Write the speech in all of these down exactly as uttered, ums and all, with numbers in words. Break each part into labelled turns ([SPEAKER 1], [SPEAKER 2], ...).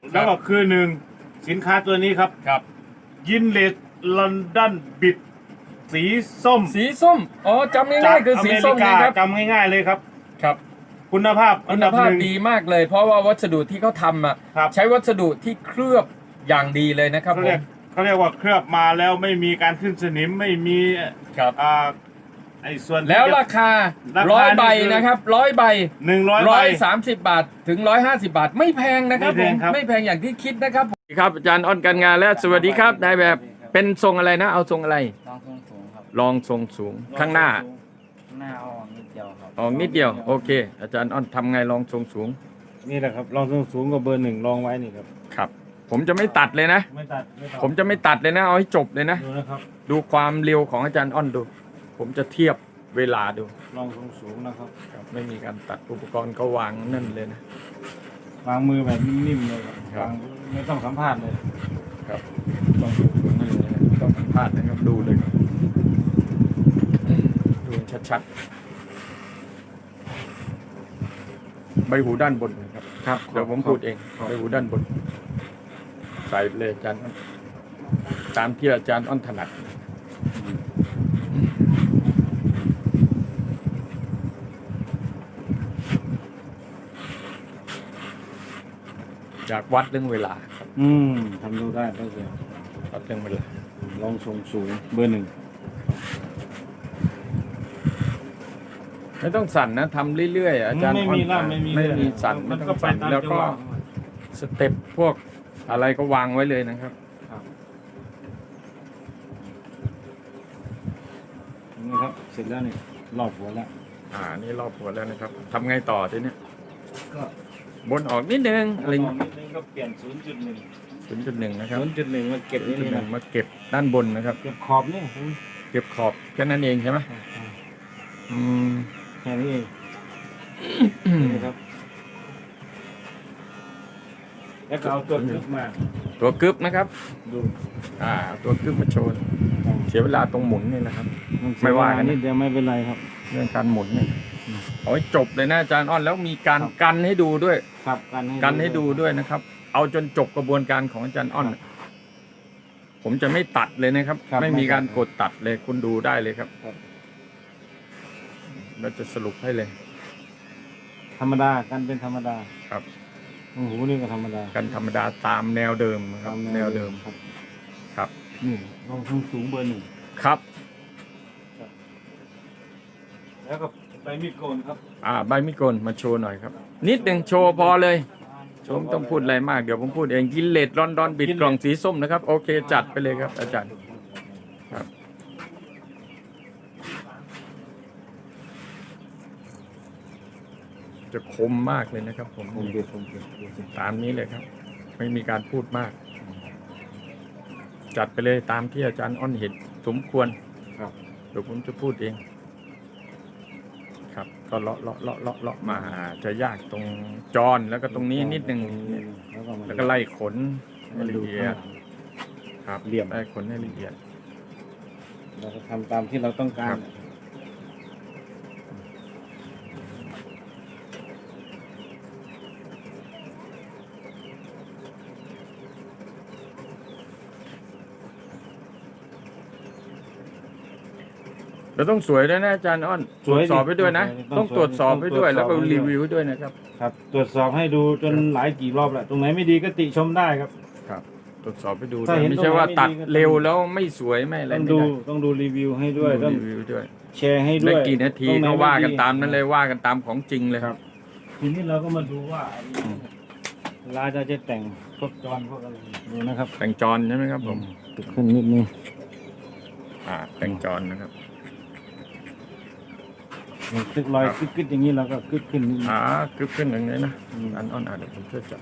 [SPEAKER 1] แล้วก็คือหนึ่งสินค้าตัวนี้ครับ
[SPEAKER 2] ครับ
[SPEAKER 1] ยินเลสลอนดอนบิดสีส้ม
[SPEAKER 2] สีส้มอ๋อจำง่ายๆคือสีส้มนะครับ
[SPEAKER 1] จำง่ายๆเลยครับ
[SPEAKER 2] ครับ
[SPEAKER 1] คุณภาพ
[SPEAKER 2] คุณภาพดีมากเลยเพราะว่าวัสดุที่เขาทำอ่ะใช้วัสดุที่เคลือบอย่างดีเลยนะครับ
[SPEAKER 1] เขาเรียกเขาเรียกว่าเคลือบมาแล้วไม่มีการขึ้นสนิมไม่มี
[SPEAKER 2] ครับ
[SPEAKER 1] อ่าไอ้ส่วน
[SPEAKER 2] แล้วราคาร้อยใบนะครับร้อยใบ
[SPEAKER 1] หนึ่งร้อย
[SPEAKER 2] ร้อยสามสิบบาทถึงร้อยห้าสิบบาทไม่แพงนะครับผมไม่แพงอย่างที่คิดนะครับครับอาจารย์อ้อนการงานและสวัสดีครับนายแบบเป็นทรงอะไรนะเอาทรงอะไร
[SPEAKER 3] ลองทรงสูงครับ
[SPEAKER 2] ลองทรงสูงข้างหน้า
[SPEAKER 3] หน้าออกนิดเดียวครับ
[SPEAKER 2] ออกนิดเดียวโอเคอาจารย์อ้อนทำไงลองทรงสูง
[SPEAKER 1] นี่แหละครับลองทรงสูงกับเบอร์หนึ่งลองไว้นี่ครับ
[SPEAKER 2] ครับผมจะไม่ตัดเลยนะ
[SPEAKER 1] ไม่ตัด
[SPEAKER 2] ผมจะไม่ตัดเลยนะเอาให้จบเลยนะ
[SPEAKER 1] ดูนะครับ
[SPEAKER 2] ดูความเร็วของอาจารย์อ้อนดูผมจะเทียบเวลาดู
[SPEAKER 1] ลองทรงสูงนะครับ
[SPEAKER 2] ไม่มีการตัดอุปกรณ์ก็วางนั่นเลยนะ
[SPEAKER 1] วางมือแบบนิ่มๆเลยครับวางไม่ต้องสัมภาษณ์เลย
[SPEAKER 2] ครับลองทรงสูงนั่นเลยนะต้องสัมภาษณ์นะครับดูเลยดูชัดๆใบหูด้านบนนะครับครับเดี๋ยวผมพูดเองใบหูด้านบนใส่เลยอาจารย์ตามที่อาจารย์อ้อนถนัดจากวัดเรื่องเวลาครับ
[SPEAKER 1] อืมทำดูได้ได้เลย
[SPEAKER 2] วัดเรื่องเวลา
[SPEAKER 1] ลองทรงสูงเบอร์หนึ่ง
[SPEAKER 2] ไม่ต้องสั่นนะทำเรื่อยๆอาจารย์
[SPEAKER 1] ไม่มีล่ำไม่มี
[SPEAKER 2] ไม่มีสั่นไม่ต้องสั่นแล้วก็สเต็ปพวกอะไรก็วางไว้เลยนะครับ
[SPEAKER 1] นี่ครับเสร็จแล้วนี่รอบหัวแล้ว
[SPEAKER 2] อ่านี่รอบหัวแล้วนะครับทำไงต่อทีนี้
[SPEAKER 1] ก็
[SPEAKER 2] บนออกนิดนึงอะไร
[SPEAKER 1] นิดนึงก็เปลี่ยนศูนย์จุดหนึ่ง
[SPEAKER 2] ศูนย์จุดหนึ่งนะครับ
[SPEAKER 1] ศูนย์จุดหนึ่งมาเก็บนี่นะ
[SPEAKER 2] มาเก็บด้านบนนะครับ
[SPEAKER 1] เก็บขอบนี่
[SPEAKER 2] เก็บขอบแค่นั้นเองใช่ไหมอืม
[SPEAKER 1] แค่นี้เองนี่ครับแล้วก็เอาตัวกึ๊บมา
[SPEAKER 2] ตัวกึ๊บนะครับ
[SPEAKER 1] ดู
[SPEAKER 2] อ่าตัวกึ๊บมาโชว์เสียเวลาตรงหมุนนี่นะครับไม่ว่ากัน
[SPEAKER 1] นี่เดี๋ยวไม่เป็นไรครับ
[SPEAKER 2] เรื่องการหมุนเนี่ยเอาให้จบเลยนะอาจารย์อ้อนแล้วมีการกันให้ดูด้วย
[SPEAKER 1] ครับกัน
[SPEAKER 2] กันให้ดูด้วยนะครับเอาจนจบกระบวนการของอาจารย์อ้อนผมจะไม่ตัดเลยนะครับไม่มีการกดตัดเลยคุณดูได้เลยครับเราจะสรุปให้เลย
[SPEAKER 1] ธรรมดากันเป็นธรรมดา
[SPEAKER 2] ครับ
[SPEAKER 1] โอ้โหนี่ก็ธรรมดา
[SPEAKER 2] กันธรรมดาตามแนวเดิมครับแนวเดิม
[SPEAKER 1] ครับ
[SPEAKER 2] ครับ
[SPEAKER 1] นี่ลองทรงสูงเบอร์หนึ่ง
[SPEAKER 2] ครับ
[SPEAKER 1] แล้วก็ใบมีดโกนครับ
[SPEAKER 2] อ่าใบมีดโกนมาโชว์หน่อยครับนิดหนึ่งโชว์พอเลยโชว์ไม่ต้องพูดอะไรมากเดี๋ยวผมพูดเองกินเลดลอนดอนบิดกล่องสีส้มนะครับโอเคจัดไปเลยครับอาจารย์ครับจะคมมากเลยนะครับผม
[SPEAKER 1] ผมเดี๋ยวผม
[SPEAKER 2] ตามนี้เลยครับไม่มีการพูดมากจัดไปเลยตามที่อาจารย์อ้อนเห็นสมควร
[SPEAKER 1] ครับ
[SPEAKER 2] เดี๋ยวผมจะพูดเองครับก็เลาะเลาะเลาะเลาะเลาะมาจะยากตรงจอนแล้วก็ตรงนี้นิดนึงแล้วก็ไล่ขนให้ละเอียดครับ
[SPEAKER 1] เหลี่ยม
[SPEAKER 2] ไล่ขนให้ละเอียด
[SPEAKER 1] เราจะทำตามที่เราต้องการ
[SPEAKER 2] เราต้องสวยด้วยนะอาจารย์อ้อนตรวจสอบไปด้วยนะต้องตรวจสอบไปด้วยแล้วก็รีวิวด้วยนะครับ
[SPEAKER 1] ครับตรวจสอบให้ดูจนหลายกี่รอบแล้วตรงไหนไม่ดีก็ติชมได้ครับ
[SPEAKER 2] ครับตรวจสอบไปดูไม่ใช่ว่าตัดเร็วแล้วไม่สวยไม่อะไร
[SPEAKER 1] ต้องดูต้องดูรีวิวให้ด้วย
[SPEAKER 2] ต้องรีวิวด้วย
[SPEAKER 1] แชร์ให้ด้วย
[SPEAKER 2] ได้กี่นาทีก็ว่ากันตามนั้นเลยว่ากันตามของจริงเลยครับ
[SPEAKER 1] ทีนี้เราก็มาดูว่าเวลาจะจะแต่งพวกจอนพวกอะไรดูนะครับ
[SPEAKER 2] แต่งจอนใช่ไหมครับผม
[SPEAKER 1] ติดขึ้นนิดนึง
[SPEAKER 2] อ่าแต่งจอนนะครับ
[SPEAKER 1] ตึกลอยกึกกึกอย่างนี้เราก็กึกขึ้นนิดนึง
[SPEAKER 2] อ่ากึกขึ้นอย่างนี้นะอันอ่อนอ่ะเดี๋ยวผมช่วยจับ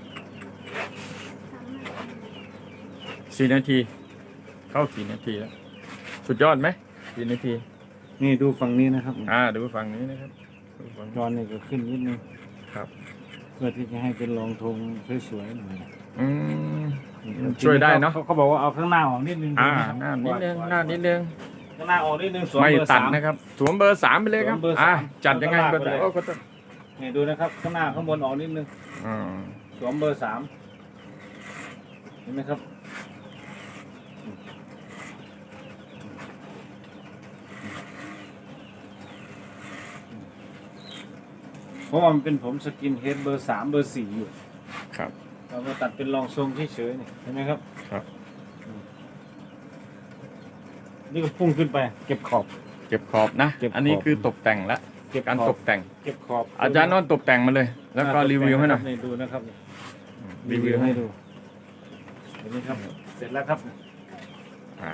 [SPEAKER 2] สี่นาทีเข้าสี่นาทีแล้วสุดยอดไหมสี่นาที
[SPEAKER 1] นี่ดูฝั่งนี้นะครับ
[SPEAKER 2] อ่าดูฝั่งนี้นะครับ
[SPEAKER 1] จอนนี่ก็ขึ้นนิดนึง
[SPEAKER 2] ครับ
[SPEAKER 1] เพื่อที่จะให้เป็นรองธงสวยๆหน่อย
[SPEAKER 2] อืมช่วยได้เนาะ
[SPEAKER 1] เขาบอกว่าเอาข้างหน้าออกนิดนึง
[SPEAKER 2] อ่าหน้านิดนึงหน้านิดนึง
[SPEAKER 1] ข้างหน้าออกนิดนึงสวม
[SPEAKER 2] ไม่
[SPEAKER 1] เบอร์
[SPEAKER 2] ตั
[SPEAKER 1] สา
[SPEAKER 2] ด
[SPEAKER 1] ม
[SPEAKER 2] นะครับสวมเบอร์สามไปเลยครับอ่าจัดยังไงเบอร์สาม
[SPEAKER 1] นี่ดูนะครับข้างหน้าข้างบนออกนิดนึง
[SPEAKER 2] อ่า
[SPEAKER 1] สวมเบอร์สามเห็นไหมครับเพราะว่ามันเป็นผมสกินเฮดเบอร์สามเบอร์สี่อยู่
[SPEAKER 2] ครับ
[SPEAKER 1] เรามาตัดเป็นรองทรงเฉยๆนี่เห็นไหมครับ
[SPEAKER 2] ครับ
[SPEAKER 1] นี่ก็พุ่งขึ้นไป เก็บขอบ
[SPEAKER 2] เก็บขอบนะ
[SPEAKER 1] เก็บขอบ
[SPEAKER 2] อันนี้คือตกแต่งละ
[SPEAKER 1] เก็บ
[SPEAKER 2] การ
[SPEAKER 1] ขอบ
[SPEAKER 2] ตกแต่ง
[SPEAKER 1] เก็บขอบ
[SPEAKER 2] อาจารย์นอนตกแต่งมาเลย แล้วก็รีวิวให้หน่อย
[SPEAKER 1] นี่ดูนะครับ
[SPEAKER 2] รีวิวให้
[SPEAKER 1] ดูเห็นไหมครับ เสร็จแล้วครับ
[SPEAKER 2] อ่า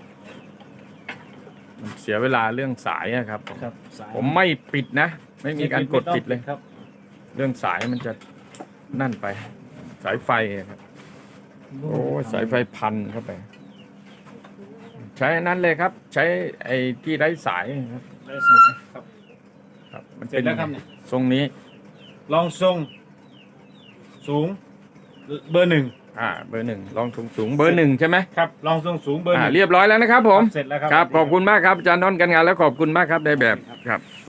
[SPEAKER 2] มันเสียเวลาเรื่องสายอะครับผม
[SPEAKER 1] ครับสาย
[SPEAKER 2] ผมไม่ปิดนะ ไม่มีการกดปิดเลย
[SPEAKER 1] ครับ
[SPEAKER 2] เรื่องสายมันจะนั่นไป สายไฟอะครับ โอ้ยสายไฟพันเข้าไป ใช้อันนั้นเลยครับ ใช้ไอ้ที่ไร้สายครับ
[SPEAKER 1] ได้สมุดครับ
[SPEAKER 2] ครับ มัน
[SPEAKER 1] เสร็จแล้วครับเนี่ย
[SPEAKER 2] ทรงนี้
[SPEAKER 1] ลองทรงสูงเบอร์หนึ่ง
[SPEAKER 2] อ่า เบอร์หนึ่งลองสูงสูงเบอร์หนึ่งใช่ไหม
[SPEAKER 1] ครับลองทรงสูงเบอร์ห
[SPEAKER 2] อ่า
[SPEAKER 1] นึ่ง
[SPEAKER 2] เรียบร้อยแล้วนะครับผม
[SPEAKER 1] เสร็จแล้วครับ
[SPEAKER 2] ครับ ขอบคุณมากครับอาจารย์นนท์กันงานแล้วขอบคุณมากครับในแบบครับ